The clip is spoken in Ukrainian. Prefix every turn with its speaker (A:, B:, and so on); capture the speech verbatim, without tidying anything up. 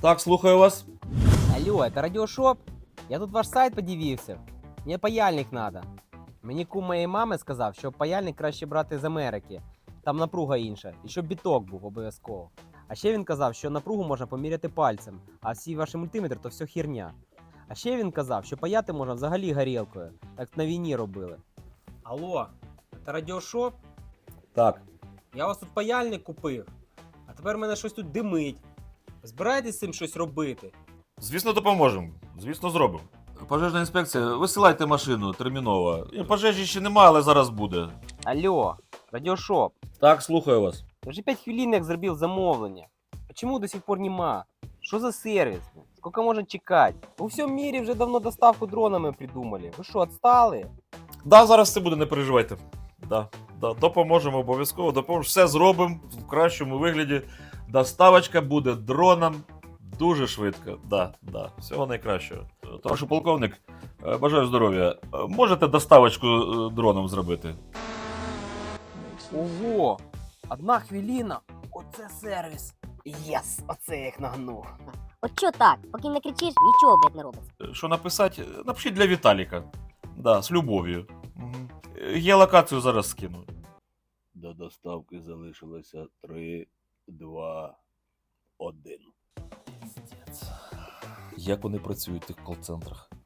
A: Так, слухаю вас.
B: Алло, это радиошоп? Я тут ваш сайт подивився. Мені паяльник надо. Мені кум моєї мами сказав, що паяльник краще брати з Америки. Там напруга інша. І щоб біток був обов'язково. А ще він казав, що напругу можна поміряти пальцем, а всі ваші мультиметри то все херня. А ще він казав, що паяти можна взагалі горілкою, так на війні робили. Алло, це радіошоп?
A: Так.
B: Я у вас тут паяльник купив, а тепер мене щось тут димить. Збираєтесь з цим щось робити?
A: Звісно, допоможемо. Звісно, зробимо. Пожежна інспекція, висилайте машину терміново. Пожежі ще немає, але зараз буде.
B: Алло, радіошоп.
A: Так, слухаю вас.
B: Я вже п'ять хвилин як зробив замовлення. Почему до сих пор нема? Що за сервіс? Сколько можна чекати? У всьому мірі вже давно доставку дронами придумали. Ви що, отстали?
A: Да, зараз все буде, не переживайте. Да, да, допоможемо обов'язково, допоможемо. Все зробимо в кращому вигляді. Доставочка буде дроном дуже швидко. Да, да, всього найкращого. Товаришу полковник, е, бажаю здоров'я. Е, Можете доставочку е, дроном зробити?
B: Ого! Одна хвилина. Оце сервіс. Єс! Оце я їх нагнув.
C: От що так, поки не кричиш, нічого, блядь, не робиться.
A: Е, Що написати? Е, Напишіть для Віталіка. Да, з любов'ю. Угу. Я локацію зараз скину.
D: До доставки залишилося три, два, один.
A: Як вони працюють в тих кол-центрах?